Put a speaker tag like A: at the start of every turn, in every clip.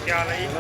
A: क्या हाल है जी?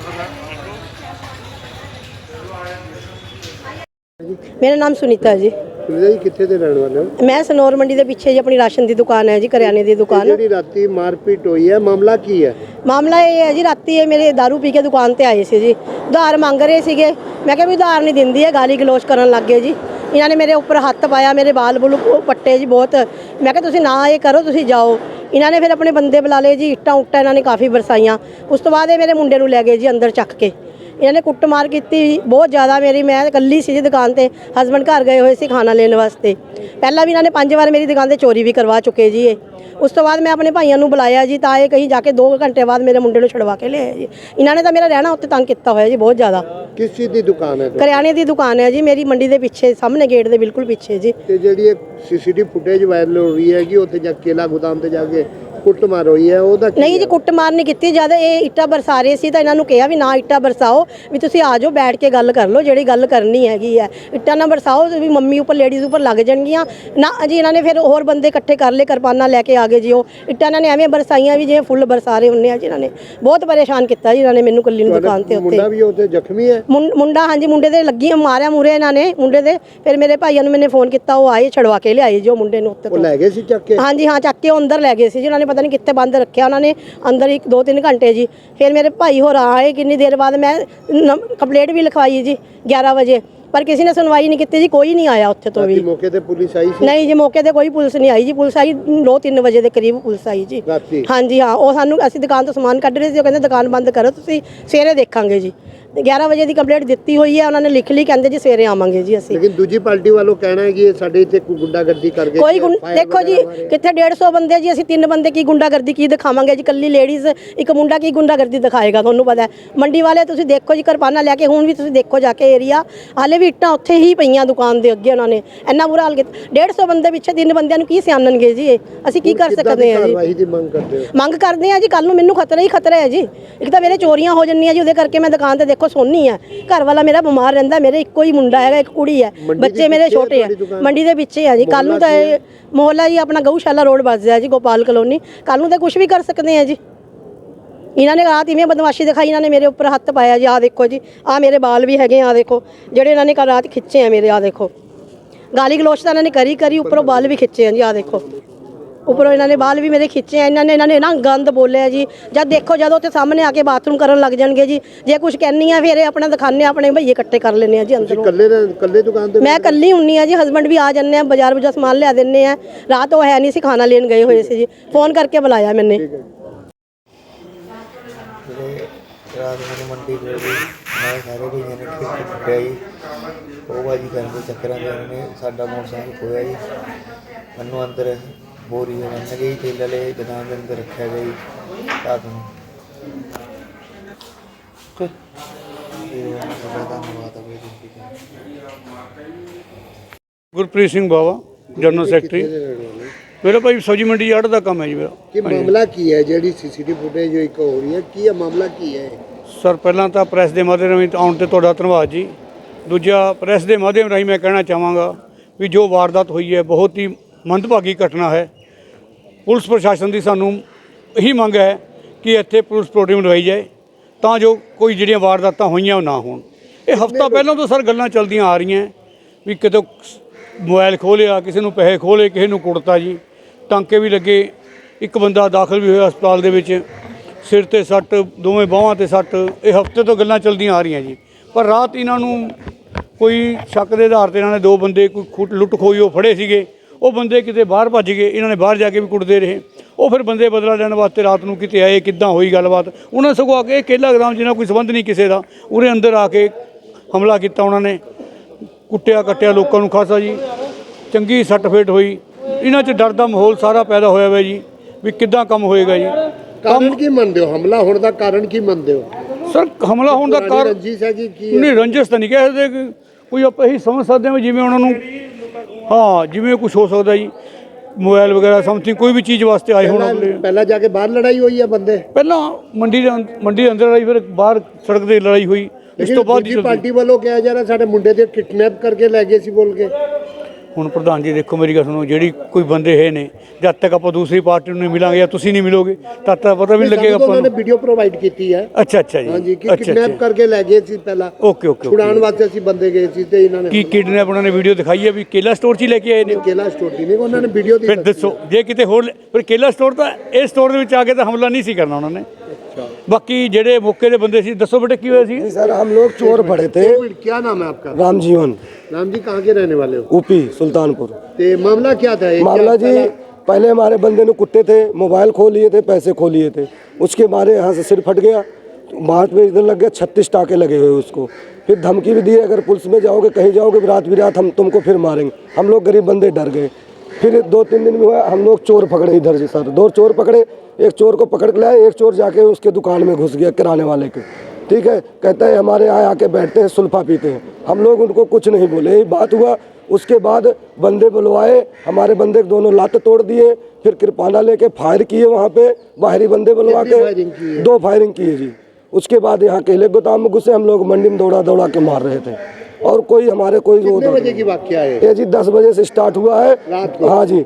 B: मेरा नाम सुनीता है जी।
C: सुनीता जी कितने ਦੇ ਰਹਿਣ ਵਾਲੇ ਹੋ?
B: मैं सनौर मंडी ਦੇ ਪਿੱਛੇ ਜੀ ਆਪਣੀ ਰਾਸ਼ਨ ਦੀ ਦੁਕਾਨ ਹੈ ਜੀ, ਕਰਿਆਨੇ ਦੀ ਦੁਕਾਨ।
C: ਜਿਹੜੀ ਰਾਤੀ ਮਾਰਪੀਟ ਹੋਈ ਹੈ ਮਾਮਲਾ ਕੀ ਹੈ?
B: ਮਾਮਲਾ ਇਹ ਹੈ ਜੀ, ਰਾਤੀ ਇਹ ਮੇਰੇ दारू ਪੀ ਕੇ ਦੁਕਾਨ ਤੇ ਆਏ ਸੀ ਜੀ, ਉਧਾਰ ਮੰਗ ਰਹੇ ਸੀਗੇ। ਮੈਂ ਕਿਹਾ ਵੀ ਉਧਾਰ ਨਹੀਂ ਦਿੰਦੀ ਹੈ, ਗਾਲੀ ਗਲੋਚ ਕਰਨ ਲੱਗ ਗਏ ਜੀ। ਇਹਨਾਂ ਨੇ ਮੇਰੇ ਉੱਪਰ ਹੱਥ ਪਾਇਆ, ਮੇਰੇ ਬਾਲ ਬੁਲ ਪੱਟੇ ਜੀ ਬਹੁਤ। ਮੈਂ ਕਿਹਾ ਤੁਸੀਂ ਨਾ ਇਹ ਕਰੋ, ਤੁਸੀਂ ਜਾਓ। ਇਹਨਾਂ ਨੇ ਫਿਰ ਆਪਣੇ ਬੰਦੇ ਬੁਲਾ ਲਏ ਜੀ, ਇੱਟਾਂ ਉੱਟਾਂ ਇਹਨਾਂ ਨੇ ਕਾਫੀ ਬਰਸਾਈਆਂ। ਉਸ ਤੋਂ ਬਾਅਦ ਇਹ ਮੇਰੇ ਮੁੰਡੇ ਨੂੰ ਲੈ ਗਏ ਜੀ ਅੰਦਰ ਚੱਕ ਕੇ। ਇਹਨਾਂ ਨੇ ਕੁੱਟਮਾਰ ਕੀਤੀ ਬਹੁਤ ਜ਼ਿਆਦਾ ਮੇਰੀ। ਮੈਂ ਇਕੱਲੀ ਸੀ ਜੀ ਦੁਕਾਨ ਤੇ, ਹਸਬੈਂਡ ਘਰ ਗਏ ਹੋਏ ਸੀ ਖਾਣਾ ਲੈਣ ਵਾਸਤੇ। ਪਹਿਲਾਂ ਵੀ ਇਹਨਾਂ ਨੇ 5 ਵਾਰ ਮੇਰੀ ਦੁਕਾਨ ਤੇ ਚੋਰੀ ਵੀ ਕਰਵਾ ਚੁੱਕੇ ਜੀ ਇਹ। ਉਸ ਤੋਂ ਬਾਅਦ ਮੈਂ ਆਪਣੇ ਭਾਈਆਂ ਨੂੰ ਬੁਲਾਇਆ ਜੀ, ਤਾਂ ਇਹ ਕहीं ਜਾ ਕੇ 2 ਘੰਟੇ ਬਾਅਦ ਮੇਰੇ ਮੁੰਡੇ ਨੂੰ ਛੁਡਵਾ ਕੇ ਲਿਆਏ ਜੀ। ਇਹਨਾਂ ਨੇ ਤਾਂ ਮੇਰਾ ਰਹਿਣਾ ਉੱਤੇ ਤੰਗ ਕੀਤਾ ਹੋਇਆ ਜੀ ਬਹੁਤ ਜ਼ਿਆਦਾ।
C: ਕਿਸ ਚੀਜ਼ ਦੀ ਦੁਕਾਨ ਹੈ?
B: ਕਰਿਆਨੇ ਦੀ ਦੁਕਾਨ ਹੈ ਜੀ ਮੇਰੀ, ਮੰਡੀ ਦੇ ਪਿੱਛੇ, ਸਾਹਮਣੇ ਗੇਟ ਦੇ ਬਿਲਕੁਲ ਪਿੱਛੇ ਜੀ।
C: ਤੇ ਜਿਹੜੀ ਇਹ ਸੀਸੀਟੀਵੀ ਫੁਟੇਜ ਵਾਇਰਲ ਹੋ ਰਹੀ ਹੈ ਕਿ ਉੱਥੇ ਜਾ ਕੇਲਾ ਗੋਦਾਮ ਤੇ ਜਾ ਕੇ ਕੁੱਟਮਾਰ ਹੋਈ ਹੈ, ਉਹਦਾ ਕੀ
B: ਨਹੀਂ ਜੀ, ਕੁੱਟਮਾਰ ਨਹੀਂ ਕੀਤੀ। ਜਦ ਇਹ ਇੱਟਾਂ ਬਰਸਾ ਰਹੇ ਸੀ ਤਾਂ ਇਹਨਾਂ ਨੂੰ ਕਿਹਾ ਵੀ ਨਾ ਇੱਟਾਂ ਬਰਸਾਓ, ਵੀ ਤੁਸੀਂ ਆ ਜਾਓ ਬੈਠ ਕੇ ਗੱਲ ਕਰ ਲਓ, ਜਿਹੜੀ ਗੱਲ ਕਰਨੀ ਹੈਗੀ ਹੈ। ਇੱਟਾਂ ਨਾ ਬਰਸਾਓ ਵੀ ਮੰਮੀ ਉੱਪਰ, ਲੇਡੀਜ਼ ਉੱਪਰ ਲੱਗ ਜਾਣਗੀਆਂ ਨਾ ਜੀ। ਇਹਨਾਂ ਨੇ ਫਿਰ ਹੋਰ ਬੰਦੇ ਇਕੱਠੇ ਕਰ ਲਏ, ਕਿਰਪਾਨਾਂ ਲੈ ਕੇ ਆ ਗਏ ਜੀ। ਉਹ ਇੱਟਾਂ ਇਹਨਾਂ ਨੇ ਐਵੇਂ ਬਰਸਾਈਆਂ ਵੀ ਜਿਵੇਂ ਫੁੱਲ ਬਰਸਾ ਰਹੇ ਹੁੰਦੇ ਆ ਜੀ। ਇਹਨਾਂ ਨੇ ਬਹੁਤ ਪਰੇਸ਼ਾਨ ਕੀਤਾ ਜੀ ਇਹਨਾਂ ਨੇ ਮੈਨੂੰ, ਕੱਲੀ ਨੂੰ ਦੁਕਾਨ ਤੇ। ਉੱਤੇ
C: ਮੁੰਡਾ ਵੀ ਉੱਥੇ ਜ਼ਖਮੀ ਹੈ?
B: ਮੁੰਡਾ ਹਾਂਜੀ, ਮੁੰਡੇ ਦੇ ਲੱਗੀ ਮਾਰਿਆ ਮੂਰੇ ਇਹਨਾਂ ਨੇ ਮੁੰਡੇ ਦੇ। ਫਿਰ ਮੇਰੇ ਭਾਈਆਂ ਨੂੰ ਮੈंने ਫੋਨ ਕੀਤਾ, ਉਹ ਆਏ ਛੜਵਾ ਕੇ ਲਿਆਏ ਜੀ ਉਹ ਮੁੰਡੇ ਨੂੰ ਉੱਤੇ
C: ਉਹ
B: ਤੋਂ।
C: ਲੈ ਗਏ ਸੀ ਚੱਕ ਕੇ?
B: ਹਾਂਜੀ ਹਾਂ, ਚੱਕ ਕੇ ਉਹ ਅੰਦਰ ਲੈ ਗਏ ਸੀ ਜੀ। ਉਹਨਾਂ ਨੇ ਪਤਾ ਨਹੀਂ ਕਿੱਥੇ ਬੰਦ ਰੱਖਿਆ ਉਹਨਾਂ ਨੇ ਅੰਦਰ, 1-2-3 ਘੰਟੇ ਜੀ। ਫਿਰ ਮੇਰੇ ਭਾਈ ਹੋਰ ਆਏ, ਕਿੰਨੀ ਦੇਰ ਬਾਅਦ ਮੈਂ ਕੰਪਲੇਂਟ ਵੀ ਲਿਖਵਾਈ ਜੀ 11 ਵਜੇ, ਪਰ ਕਿਸੇ ਨੇ ਸੁਣਵਾਈ ਨਹੀਂ ਕੀਤੀ ਜੀ। ਕੋਈ ਨਹੀਂ ਆਇਆ ਉੱਥੇ ਤੋਂ ਵੀ।
C: ਮੌਕੇ ਤੇ ਪੁਲਿਸ ਆਈ ਸੀ?
B: ਨਹੀਂ ਜੀ, ਮੌਕੇ ਤੇ ਕੋਈ ਪੁਲਿਸ ਨਹੀਂ ਆਈ ਜੀ। ਪੁਲਿਸ ਆਈ 2-3 ਵਜੇ ਦੇ ਕਰੀਬ ਪੁਲਿਸ ਆਈ ਜੀ ਹਾਂਜੀ ਹਾਂ। ਉਹ ਸਾਨੂੰ, ਅਸੀਂ ਦੁਕਾਨ ਤੋਂ ਸਮਾਨ ਕੱਢ ਰਹੇ ਸੀ, ਉਹ ਕਹਿੰਦੇ ਦੁਕਾਨ ਬੰਦ ਕਰੋ ਤੁਸੀਂ, ਸਵੇਰੇ ਦੇਖਾਂਗੇ ਜੀ। 11 ਵਜੇ ਦੀ ਕੰਪਲੇਂਟ ਦਿੱਤੀ ਹੋਈ ਹੈ ਉਹਨਾਂ ਨੇ, ਲਿਖ ਲਈ, ਕਹਿੰਦੇ ਜੀ ਸਵੇਰੇ ਆਵਾਂਗੇ ਜੀ ਅਸੀਂ।
C: ਲੇਕਿਨ ਦੂਜੀ ਪਾਰਟੀ ਵੱਲੋਂ ਕਹਿਣਾ ਹੈ ਕਿ ਸਾਡੇ ਇੱਥੇ ਗੁੰਡਾਗਰਦੀ ਕਰਕੇ
B: ਕੋਈ ਦੇਖੋ ਜੀ, ਕਿੱਥੇ 150 ਬੰਦੇ ਜੀ, ਅਸੀਂ 3 ਬੰਦੇ ਕੀ ਗੁੰਡਾਗਰਦੀ ਕੀ ਦਿਖਾਵਾਂਗੇ ਜੀ? ਕੱਲੀ ਲੇਡੀਜ਼, ਇੱਕ ਮੁੰਡਾ ਕੀ ਗੁੰਡਾਗਰਦੀ ਦਿਖਾਏਗਾ? ਤੁਹਾਨੂੰ ਪਤਾ ਹੈ ਮੰਡੀ ਵਾਲੇ, ਤੁਸੀਂ ਦੇਖੋ ਜੀ ਕਿਰਪਾਨਾਂ ਲੈ ਕੇ। ਹੁਣ ਵੀ ਤੁਸੀਂ ਦੇਖੋ ਜਾ ਕੇ ਏਰੀਆ, ਹਾਲੇ ਵੀ ਇੱਟਾਂ ਉੱਥੇ ਹੀ ਪਈਆਂ ਦੁਕਾਨ ਦੇ ਅੱਗੇ। ਉਹਨਾਂ ਨੇ ਇੰਨਾ ਬੁਰਾ ਹਾਲ ਕੀਤਾ। 150 ਬੰਦੇ ਪਿੱਛੇ 3 ਬੰਦਿਆਂ ਨੂੰ ਕੀ ਸਿਆਣਨਗੇ ਜੀ ਇਹ? ਅਸੀਂ ਕੀ ਕਰ ਸਕਦੇ ਹਾਂ ਜੀ? ਮੰਗ ਕਰਦੇ ਹਾਂ ਜੀ। ਕੱਲ ਨੂੰ ਮੈਨੂੰ ਖਤਰਾ ਹੀ ਖਤਰਾ ਹੈ ਜੀ। ਇੱਕ ਤਾਂ ਮੇਰੇ ਚੋਰੀਆਂ ਹੋ ਜਾਂਦੀਆਂ ਜੀ, ਉਹਦੇ ਕਰਕੇ ਮੈਂ ਦੁਕਾਨ ਤੇ ਦੇਖੋ ਸੋਨੀ ਆ। ਘਰ ਵਾਲਾ ਮੇਰਾ ਬਿਮਾਰ ਰਹਿੰਦਾ, ਮੇਰੇ ਇੱਕੋ ਹੀ ਮੁੰਡਾ ਹੈਗਾ, ਇੱਕ ਕੁੜੀ ਹੈ, ਬੱਚੇ ਮੇਰੇ ਛੋਟੇ ਆ। ਮੰਡੀ ਦੇ ਪਿੱਛੇ ਆ ਜੀ। ਕੱਲ ਨੂੰ ਤਾਂ ਇਹ ਮੁਹੱਲਾ ਜੀ ਆਪਣਾ ਗਊਸ਼ਾਲਾ ਰੋਡ ਵੱਜਦਾ ਜੀ, ਗੋਪਾਲ ਕਲੋਨੀ। ਕੱਲ ਨੂੰ ਤਾਂ ਕੁਝ ਵੀ ਕਰ ਸਕਦੇ ਆ ਜੀ। ਇਹਨਾਂ ਨੇ ਰਾਤ ਇਵੇਂ ਬਦਮਾਸ਼ੀ ਦਿਖਾਈ, ਇਹਨਾਂ ਨੇ ਮੇਰੇ ਉੱਪਰ ਹੱਥ ਪਾਇਆ ਜੀ। ਆਹ ਦੇਖੋ ਜੀ, ਆਹ ਮੇਰੇ ਬਾਲ ਵੀ ਹੈਗੇ ਆ ਦੇਖੋ, ਜਿਹੜੇ ਇਹਨਾਂ ਨੇ ਕੱਲ ਰਾਤ ਖਿੱਚੇ ਆ ਮੇਰੇ। ਆਹ ਦੇਖੋ, ਗਾਲੀ ਗਲੋਚ ਤਾਂ ਇਹਨਾਂ ਨੇ ਕਰੀ ਉੱਪਰੋਂ ਬਾਲ ਵੀ ਖਿੱਚੇ ਆ ਜੀ। ਆਹ ਦੇਖੋ, ਉੱਪਰੋਂ ਇਹਨਾਂ ਨੇ ਬਾਲ ਵੀ ਮੇਰੇ ਖਿੱਚੇ ਆ। ਇਹਨਾਂ ਨੇ ਨਾ ਗੰਦ ਬੋਲਿਆ ਜੀ। ਜਦ ਦੇਖੋ, ਜਦੋਂ ਉੱਥੇ ਸਾਹਮਣੇ ਆ ਕੇ ਬਾਥਰੂਮ ਕਰਨ ਲੱਗ ਜਾਣਗੇ ਜੀ। ਜੇ ਕੁਝ ਕਹਿੰਨੀ ਆ ਫਿਰ ਇਹ ਆਪਣਾ ਦਿਖਾਣੇ, ਆਪਣੇ ਭਈਏ ਇਕੱਠੇ ਕਰ ਲੈਣੇ ਆ ਜੀ ਅੰਦਰੋਂ।
C: ਕੱਲੇ ਦੁਕਾਨ ਤੇ? ਮੈਂ
B: ਇਕੱਲੀ ਹੁੰਨੀ ਆ ਜੀ, ਹਸਬੈਂਡ ਵੀ ਆ ਜਾਂਦੇ ਆ, ਬਾਜ਼ਾਰ ਬੁਜਾ ਸਮਾਨ ਲਿਆ ਦਿੰਦੇ ਆ। ਰਾਤ ਉਹ ਹੈ ਨਹੀਂ ਸੀ, ਖਾਣਾ ਲੈਣ ਗਏ ਹੋਏ ਸੀ ਜੀ, ਫੋਨ ਕਰਕੇ ਬੁਲਾਇਆ ਮੈਨੇ।
D: ਰਾਤ ਨੂੰ ਮੰਡੀ ਗਏ ਜੀ, ਮੈਂ ਸਾਰੇ ਭਈਆਂ ਨੇ ਕੁੱਟਿਆ ਜੀ। ਉਹ ਬਾਜੀ ਕਰਦੇ ਚੱਕਰਾਂ ਦੇ ਨੇ ਸਾਡਾ ਮੋਟਰਸਾਈਕਲ ਖੋਇਆ ਜੀ। ਮੈਨੂੰ ਅੰਦਰ ਬੋਰੀ ਬੰਨ ਗਈ, ਤੇਲ ਵਾਲੇ ਦੁਕਾਨ ਦੇ ਅੰਦਰ ਰੱਖਿਆ ਗਿਆ ਜੀ ਰਾਤ ਨੂੰ।
E: Gurpreet Singh Bawa, general secretary. ਮੇਰਾ ਭਾਈ ਸਬਜ਼ੀ ਮੰਡੀ ਯਾਰਡ ਦਾ ਕੰਮ ਹੈ ਜੀ ਮੇਰਾ।
C: ਕੀ ਮਾਮਲਾ ਕੀ ਹੈ? ਜਿਹੜੀ ਸੀਸੀਟੀਵੀ ਫੁਟੇਜ ਜੋ ਇੱਕ ਹੋ ਰਹੀ ਹੈ, ਕੀ ਹੈ ਮਾਮਲਾ, ਕੀ ਹੈ?
E: ਸਰ, ਪਹਿਲਾਂ ਤਾਂ ਪ੍ਰੈਸ ਦੇ ਮਾਧਿਅਮ ਰਾਹੀਂ ਆਉਣ ਤੇ ਤੁਹਾਡਾ ਧੰਨਵਾਦ ਜੀ। ਦੂਜਾ, ਪ੍ਰੈਸ ਦੇ ਮਾਧਿਅਮ ਰਾਹੀਂ ਮੈਂ ਕਹਿਣਾ ਚਾਹਾਂਗਾ ਵੀ ਜੋ ਵਾਰਦਾਤ ਹੋਈ ਹੈ ਬਹੁਤ ਹੀ ਮੰਦਭਾਗੀ ਘਟਨਾ ਹੈ। ਪੁਲਿਸ ਪ੍ਰਸ਼ਾਸਨ ਦੀ ਸਾਨੂੰ ਇਹੀ ਮੰਗ ਹੈ ਕਿ ਇੱਥੇ ਪੁਲਿਸ ਪ੍ਰੋਟੀਮ ਲਵਾਈ ਜਾਏ ਤਾਂ ਜੋ ਕੋਈ ਜਿਹੜੀਆਂ ਵਾਰਦਾਤਾਂ ਹੋਈਆਂ ਉਹ ਨਾ ਹੋਣ। ਇਹ ਹਫ਼ਤਾ ਪਹਿਲਾਂ ਤੋਂ ਸਰ ਗੱਲਾਂ ਚੱਲਦੀਆਂ ਆ ਰਹੀਆਂ ਵੀ ਕਿਤੇ ਮੋਬਾਈਲ ਖੋਹ ਲਿਆ, ਕਿਸੇ ਨੂੰ ਪੈਸੇ ਖੋਹ ਲਏ, ਕਿਸੇ ਨੂੰ ਕੁੱਟਤਾ ਜੀ, ਟਾਂਕੇ ਵੀ ਲੱਗੇ। ਇੱਕ ਬੰਦਾ ਦਾਖਲ ਵੀ ਹੋਇਆ ਹਸਪਤਾਲ ਦੇ ਵਿੱਚ, ਸਿਰ 'ਤੇ ਸੱਟ, ਦੋਵੇਂ ਬਾਹਾਂ 'ਤੇ ਸੱਟ। ਇਹ ਹਫ਼ਤੇ ਤੋਂ ਗੱਲਾਂ ਚੱਲਦੀਆਂ ਆ ਰਹੀਆਂ ਜੀ। ਪਰ ਰਾਤ ਇਹਨਾਂ ਨੂੰ ਕੋਈ ਸ਼ੱਕ ਦੇ ਆਧਾਰ 'ਤੇ ਇਹਨਾਂ ਨੇ 2 ਬੰਦੇ ਕੋਈ ਲੁੱਟ ਖੋਈ ਉਹ ਫੜੇ ਸੀਗੇ। ਉਹ ਬੰਦੇ ਕਿਤੇ ਬਾਹਰ ਭੱਜ ਗਏ, ਇਹਨਾਂ ਨੇ ਬਾਹਰ ਜਾ ਕੇ ਵੀ ਕੁੱਟਦੇ ਰਹੇ। ਉਹ ਫਿਰ ਬੰਦੇ ਬਦਲਾ ਲੈਣ ਵਾਸਤੇ ਰਾਤ ਨੂੰ ਕਿਤੇ ਆਏ, ਕਿੱਦਾਂ ਹੋਈ ਗੱਲਬਾਤ। ਉਹਨਾਂ ਸਗੋਂ ਆ ਕੇ ਕੇਲਾ ਗ੍ਰਾਮ ਜਿਹਨਾਂ ਕੋਈ ਸੰਬੰਧ ਨਹੀਂ ਕਿਸੇ ਦਾ, ਉਹਦੇ ਅੰਦਰ ਆ ਕੇ ਹਮਲਾ ਕੀਤਾ। ਉਹਨਾਂ ਨੇ ਕੁੱਟਿਆ ਕੱਟਿਆ ਲੋਕਾਂ ਨੂੰ ਖਾਸਾ ਜੀ, ਚੰਗੀ ਸੱਟ ਫੇਟ ਹੋਈ। ਇਹਨਾਂ 'ਚ ਡਰ ਦਾ ਮਾਹੌਲ ਸਾਰਾ ਪੈਦਾ ਹੋਇਆ ਹੋਇਆ ਜੀ ਵੀ ਕਿੱਦਾਂ ਕੰਮ ਹੋਏਗਾ ਜੀ।
C: ਕਾਰਨ ਕੀ ਮੰਨਦੇ ਹੋ? ਹਮਲਾ ਹੋਣ ਦਾ ਕਾਰਨ ਕੀ ਮੰਨਦੇ ਹੋ?
E: ਸਰ, ਹਮਲਾ ਹੋਣ ਦਾ ਕਾਰਨ
C: ਰੰਜਿਸ਼ ਹੈ ਕਿ ਕੀ?
E: ਨਹੀਂ, ਰੰਜਿਸ਼ ਤਾਂ ਨਹੀਂ ਕਹਿ ਸਕਦੇ। ਕੋਈ ਆਪਾਂ ਇਹੀ ਸਮਝ ਸਕਦੇ ਹਾਂ ਜਿਵੇਂ ਉਹਨਾਂ ਨੂੰ, ਹਾਂ, ਜਿਵੇਂ ਕੁਛ ਹੋ ਸਕਦਾ ਜੀ, ਮੋਬਾਈਲ ਵਗੈਰਾ ਸਮਥਿੰਗ ਕੋਈ ਵੀ ਚੀਜ਼ ਵਾਸਤੇ ਆਏ ਹੋਣ।
C: ਪਹਿਲਾਂ ਜਾ ਕੇ ਬਾਹਰ ਲੜਾਈ ਹੋਈ ਹੈ ਬੰਦੇ?
E: ਪਹਿਲਾਂ ਮੰਡੀ ਦੇ ਅੰਦਰ ਲੜਾਈ, ਫਿਰ ਬਾਹਰ ਸੜਕ 'ਤੇ ਲੜਾਈ ਹੋਈ। ਇਸ ਤੋਂ ਬਾਅਦ
C: ਪਾਰਟੀ ਵੱਲੋਂ ਕਿਹਾ ਜਾ ਰਿਹਾ ਸਾਡੇ ਮੁੰਡੇ ਦੇ ਕਿਡਨੈਪ ਕਰਕੇ ਲੈ ਗਏ ਸੀ ਬੋਲ ਕੇ।
E: ਹੁਣ ਪ੍ਰਧਾਨ ਜੀ ਦੇਖੋ ਮੇਰੀ ਗੱਲ ਸੁਣੋ, ਜਿਹੜੀ ਕੋਈ ਬੰਦੇ ਹੈ ਨੇ, ਜਦ ਤੱਕ ਆਪਾਂ ਦੂਸਰੀ ਪਾਰਟੀ ਨੂੰ ਨਹੀਂ ਮਿਲਾਂਗੇ ਜਾਂ ਤੁਸੀਂ ਨਹੀਂ ਮਿਲੋਗੇ ਤਦ ਤੱਕ ਪਤਾ ਵੀ ਨਹੀਂ ਲੱਗੇਗਾ ਆਪਾਂ
C: ਉਹਨਾਂ ਨੇ
E: ਨੂੰ।
C: ਵੀਡੀਓ ਪ੍ਰੋਵਾਈਡ ਕੀਤੀ ਹੈ।
E: ਅੱਛਾ ਅੱਛਾ ਜੀ,
C: ਹਾਂਜੀ ਕਿ
E: ਅੱਛਾ
C: ਕਿਡਨੈਪ ਕਰਕੇ ਲੈ ਗਏ ਸੀ ਪਹਿਲਾਂ,
E: ਓਕੇ ਓਕੇ
C: ਛੁਡਾਉਣ ਵਾਸਤੇ ਅਸੀਂ ਬੰਦੇ ਗਏ ਸੀ ਤੇ ਇਹਨਾਂ ਨੇ
E: ਕੀ ਕਿਡਨੈਪ ਉਹਨਾਂ ਨੇ ਵੀਡੀਓ ਦਿਖਾਈ ਹੈ ਵੀ ਕੇਲਾ ਸਟੋਰ 'ਚ ਹੀ ਲੈ ਕੇ ਆਏ ਨੇ?
C: ਕੇਲਾ ਸਟੋਰ ਦੀ ਨਹੀਂ, ਉਹਨਾਂ ਨੇ ਵੀਡੀਓ ਦੀ
E: ਫਿਰ ਦੱਸੋ ਜੇ ਕਿਤੇ ਹੋਰ ਫਿਰ ਕੇਲਾ ਸਟੋਰ ਤਾਂ ਇਹ ਸਟੋਰ ਦੇ ਵਿੱਚ ਆ ਕੇ ਤਾਂ ਹਮਲਾ ਨਹੀਂ ਸੀ ਕਰਨਾ ਉਹਨਾਂ ਨੇ। ਬਾਕੀ ਜਿਹੜੇ ਮੌਕੇ ਦੇ ਬੰਦੇ ਸੀ, ਦੱਸੋ ਬੇਟੇ ਕੀ ਹੋਇਆ ਸੀ?
A: सर हम लोग चोर पड़े थे।
C: क्या नाम है आपका?
A: राम जीवन,
C: राम जी कहाँ के रहने वाले हो?
A: ऊपी सुल्तानपुर।
C: ते मामला क्या था?
A: मामला जी पहले हमारे बंदे ने कुत्ते थे, मोबाइल खो लिए थे, पैसे खो लिए थे, उसके मारे यहाँ से सिर फट गया, बात में इधर लग गया, 36 टाके लगे हुए उसको। फिर धमकी भी दी, अगर पुलिस में जाओगे कहीं जाओगे रात हम तुमको फिर मारेंगे। हम लोग गरीब बंदे डर गए। फिर 2-3 दिन में हुआ, हम लोग चोर पकड़े इधर से सर, 2 चोर पकड़े, एक चोर को पकड़ के लाए, एक चोर जाके उसके दुकान में घुस गया किराने वाले के, ठीक है, कहता है हमारे यहाँ आके बैठते हैं सुल्फा पीते हैं। हम लोग उनको कुछ नहीं बोले, यही बात हुआ। उसके बाद बंदे बुलवाए, हमारे बंदे दोनों लात तोड़ दिए, फिर कृपाना लेके फायर किए वहाँ पे, बाहरी बंदे बुलवा के 2 फायरिंग किए जी। उसके बाद यहाँ केले गोदाम में घुसे, हम लोग मंडी में दौड़ा दौड़ा के मार रहे थे और कोई हमारे कोई
C: कितने बजे की वाकया है?
A: ये जी 10 बजे से स्टार्ट हुआ है
C: रात को?
A: हाँ जी,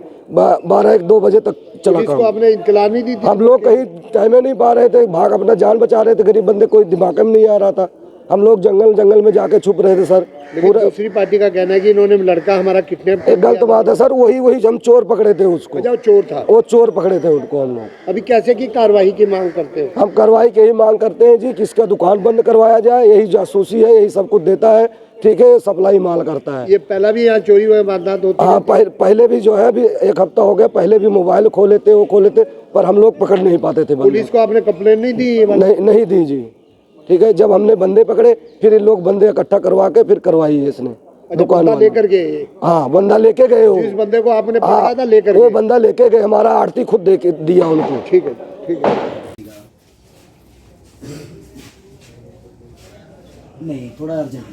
A: 12-1-2 बजे तक चला
C: पुलिस को
A: काम।
C: आपने इत्तला नहीं दी थी?
A: हम लोग कहीं टाइम नहीं पा रहे थे, भाग अपना जान बचा रहे थे, गरीब बंदे कोई दिमाग में नहीं आ रहा था। हम लोग जंगल में जाके छुप रहे थे सर।
C: लेकिन दूसरी पार्टी का कहना है कि इन्होंने लड़का हमारा किडनैप कर
A: एक गलत बात है सर, वही हम चोर पकड़े थे उसको,
C: लिया। वो चोर था।
A: वो चोर पकड़े थे उनको हम लोग।
C: अभी कैसे की कार्रवाई की मांग करते हो?
A: हम कार्रवाई की यही मांग करते हैं जी, किसका दुकान बंद करवाया जाए, यही जासूसी है, यही सब कुछ देता है, ठीक है, सप्लाई माल करता है।
C: ये पहला भी यहाँ चोरी हुए वारदात होती
A: हाँ पहले भी जो है अभी 1 हफ्ता हो गया, पहले भी मोबाइल खो लेते वो खो लेते, पर हम लोग पकड़ नहीं पाते थे बंदे।
C: पुलिस को आपने कंप्लेन नहीं दी?
A: नहीं दी जी, ठीक है। जब हमने बंदे पकड़े फिर इन लोग बंदे इकट्ठा करवा के फिर करवाई है इसने दुकान
C: बंदा
A: वाले।
C: लेकर गए?
A: हाँ बंदा लेके गए वो,
C: जिस बंदे को आपने
A: हाँ,
C: पकड़ा था लेकर
A: वो
C: गए?
A: बंदा लेके गए, हमारा आरती खुद दे के दिया उनको।
C: ठीक है, ठीक है।
F: नहीं थोड़ा अर्जेंट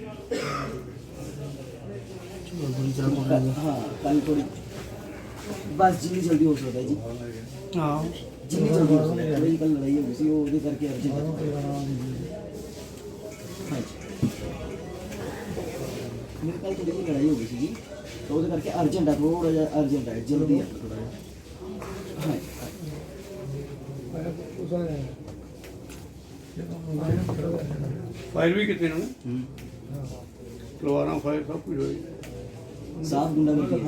F: हाँ कल थोड़ी बस जितनी जल्दी हो सकता है जी हाँ जितनी जल्दी हो सकता है। वही कल लड़ाई हो गई थी वो उधर करके अर्जेंट हाँ जी मेरे कल थोड़ी सी लड़ाई हो गई थी जी तो उधर करके अर्जेंट है, थोड़ा अर्जेंट है, जल्दी है थोड़ा हाँ
E: फायर भी कितने उन्होंने तलवारां फायर सब कुछ होई।
F: साफ गुंडा करके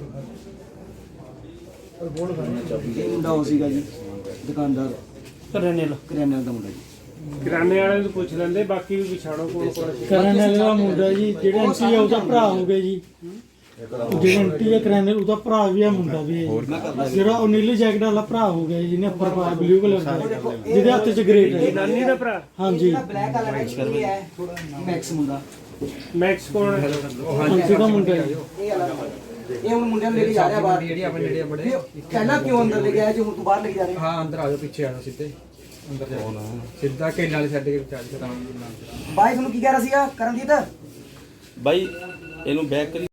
F: ये मुंडा हो सीगा जी दुकानदार करियाने ਦਾ ਮੁੰਡਾ ਜੀ
G: ਕਿਰਾਨੇ ਵਾਲੇ ਨੂੰ ਪੁੱਛ ਲੈਂਦੇ, ਬਾਕੀ ਵੀ ਵਿਛਾੜੋ ਕੋਲ ਕੋਲ।
H: ਕਰਿਆਨੇ ਵਾਲਾ ਮੁੰਡਾ ਜੀ, ਜਿਹੜਾ ਐਂਟੀ ਆ ਉਹਦਾ ਭਰਾ ਹੋ ਗਿਆ ਜੀ। ਜਿਹੜਾ ਐਂਟੀ ਆ ਕਰਿਆਨੇ ਉਹਦਾ ਭਰਾ ਵੀ ਆ, ਮੁੰਡਾ ਵੀ ਹੈ ਜੀ। ਜਿਹੜਾ ਉਹ ਨੀਲੀ ਜੈਕਟ ਵਾਲਾ ਭਰਾ ਹੋ ਗਿਆ ਜੀ, ਜਿਹਨੇ ਉੱਪਰ ਪਾਇਆ ਬਲੂ ਕਲਰ ਦਾ, ਜਿਹਦੇ ਹੱਥ 'ਚ ਗ੍ਰੇਟ ਹੈ।
G: ਨਾਨੀ ਦਾ ਭਰਾ
H: ਹਾਂਜੀ
F: ਬਲੈਕ ਵਾਲਾ ਇਹ ਹੈ ਮੈਕਸ ਮੁੰਡਾ
G: ਮੈਕਸ ਕੋਣ ਹੈ?
H: ਹਾਂਜੀ ਦਾ ਮੁੰਡਾ ਜੀ।
F: ਇਹ ਹੁਣ ਮੁੰਡਿਆਂ ਨੂੰ ਲੈ ਕੇ ਜਾ ਰਿਹਾ ਬਾਹਰ, ਜਿਹੜੀ ਆਪਣੇ ਨੇੜੇ ਬੜੇ ਪਹਿਲਾਂ ਕਿਉਂ ਅੰਦਰ ਲੈ ਕੇ ਆਇਆ ਜੀ, ਹੁਣ ਤੂੰ ਬਾਹਰ ਲੈ ਕੇ ਜਾ ਰਿਹਾ?
I: ਹਾਂ ਅੰਦਰ ਆ ਜਾਓ, ਪਿੱਛੇ ਆ ਜਾਓ, ਸਿੱਧੇ ਅੰਦਰ ਜਾ ਸਿੱਧਾ ਕੇ ਨਾਲ ਛੱਡ ਕੇ ਚੱਲ ਚਤਾਂ
F: ਬਾਈ ਤੁਹਾਨੂੰ ਕੀ ਕਹਿ ਰਿਹਾ ਸੀਗਾ ਕਰਨਜੀਤ?
J: ਬਾਈ ਇਹਨੂੰ ਬੈਕ ਕਰੀ